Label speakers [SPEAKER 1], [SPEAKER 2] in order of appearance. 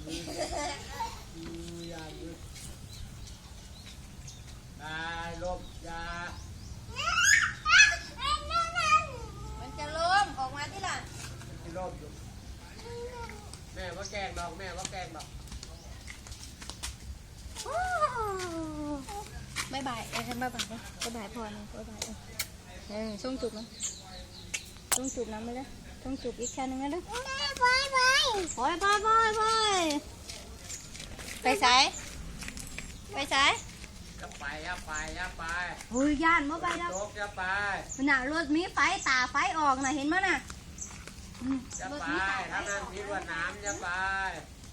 [SPEAKER 1] อย่าหยุดได้ลบยา
[SPEAKER 2] มันจะล้มออกมาที่หลัง
[SPEAKER 1] ที่ลบอยู่แม่ว่าแกงดอกแม่ว่าแกงดอก
[SPEAKER 2] บายบายฉันบายบายเลยบายบายพอนะบายบายช่วงจุบนะช่วงจุบน้ำไปเลยช่วงจุบอีกแค่นึงนะลูกบายบายบายบายบายบายไปสายไปสาย
[SPEAKER 1] อย่าไป
[SPEAKER 2] เฮ้ยย่านมาไปแล้ว
[SPEAKER 1] อย่าไป
[SPEAKER 2] มันน่ะรถมีไฟตาไฟออกน่ะเห็นมั้ยน่ะ
[SPEAKER 1] อย่าไปถ้านั่นคิดว่าน้ำอย่าไป